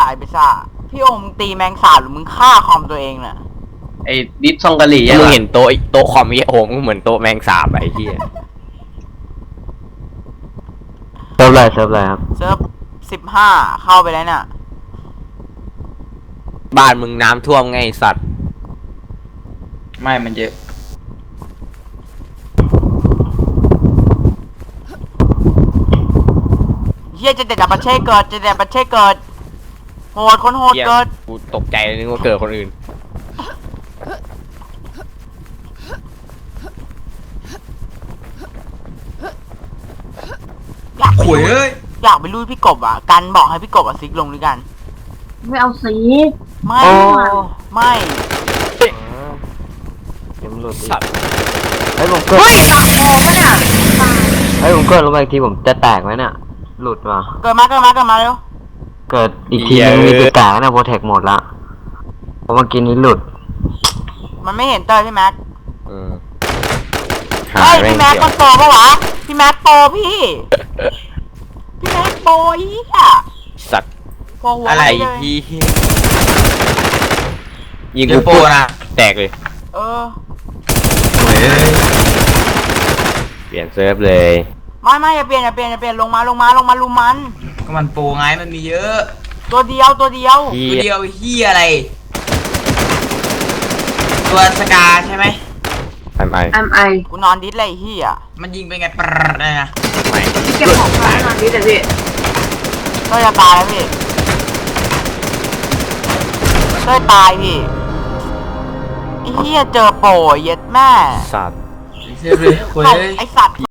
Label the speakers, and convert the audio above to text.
Speaker 1: ไอ้เบซ่าพี่โอมมึงตีแมงสาบหรือมึงฆ่าคอมตัวเองน่ะ
Speaker 2: ไอ้ดิฟซองกะหรี่
Speaker 3: มึง
Speaker 2: อะ
Speaker 3: เห็นโต๊ะคอมยี่โอมก็เหมือนโต๊ะแมงสาบไอ้เหี้ย
Speaker 4: เซิร์ฟอะไรครับ
Speaker 1: เซิร์ฟ15เข้าไปแล้วเนี่ย
Speaker 3: บ้านมึงน้ำท่วมไงไอ้สัตว์
Speaker 2: ไม่มันเยอะ
Speaker 1: เฮียจะเด็ดอัปเช่เกิดจะเด็ดอัปเช่เกิดโหดคนโหด
Speaker 3: เหี้ย
Speaker 1: เกิด
Speaker 3: กูตกใจนึกว่าเกิดคนอื่น
Speaker 1: อยากไป
Speaker 2: โอ้ย
Speaker 1: ลุย
Speaker 2: เอ้ย
Speaker 1: อยากไปลุยพี่กบอ่ะกันบอกให้พี่กบซิกลงด้วยกัน
Speaker 5: ไม่เอาสี
Speaker 1: ไม่
Speaker 4: โอ้
Speaker 1: ไม่
Speaker 4: เดี๋ยวมันหลุดอีก
Speaker 3: สัตว์
Speaker 4: เฮ้ยผมเกิด
Speaker 5: เฮ้ยปากคอปะเนี่ยตาย
Speaker 4: เฮ้ยผมเกิดลงไปอีกทีผมจะแตกไหมเนี่ยหลุดว่ะ
Speaker 1: เกิดมาเร็ว
Speaker 4: เกิดอีกทีนึงมีจะแตกนะโปรเทคหมดละเพราะเมื่อกี้นี้หลุด
Speaker 1: มันไม่เห็นเตอร์พี่แม็ก
Speaker 3: เออ
Speaker 1: เฮ้ย
Speaker 3: แม่ง
Speaker 1: พี่แม็ก
Speaker 3: เกี่ยว
Speaker 1: มันโปรปะวะพี่แม็กโปรพี่พี่แม็กโปรอีอ่ะ
Speaker 3: สัตว์
Speaker 1: โปรหัว
Speaker 2: อะไร
Speaker 1: เลย
Speaker 3: พี่ยิง
Speaker 2: เจ
Speaker 3: กู
Speaker 2: อโปรนะ
Speaker 3: แตกเลย
Speaker 1: เออ
Speaker 2: โอ้ยเอ้ย
Speaker 3: เปลี่ยนเซิร์ฟเลย
Speaker 1: ไม่อย่าเปลี่ยนลงมาลุมมัน
Speaker 2: ก็มันโปรไงมันมีเยอะ
Speaker 1: ตัวเดียว
Speaker 2: ตัวเดียวเฮียอะไร ตัวสกาใช่ไหม
Speaker 3: ทำไม
Speaker 5: แอมไอ
Speaker 1: กูนอนดิสเลยไอ้เฮีย
Speaker 2: มันยิงไปไงปรดเลยนะ
Speaker 3: ไม่
Speaker 5: เก็บของฟ้าหน่อยดิเดี๋ยวพี่
Speaker 1: เต้ยจะตายแล้วพี่เต้ยตายพี่ไอ้เฮียเจอโปรเย็ดแม่
Speaker 3: สัตว์
Speaker 2: เชื่อเลยโอ้ย
Speaker 1: ตบ
Speaker 2: เอ้ย
Speaker 1: ไอสัตว์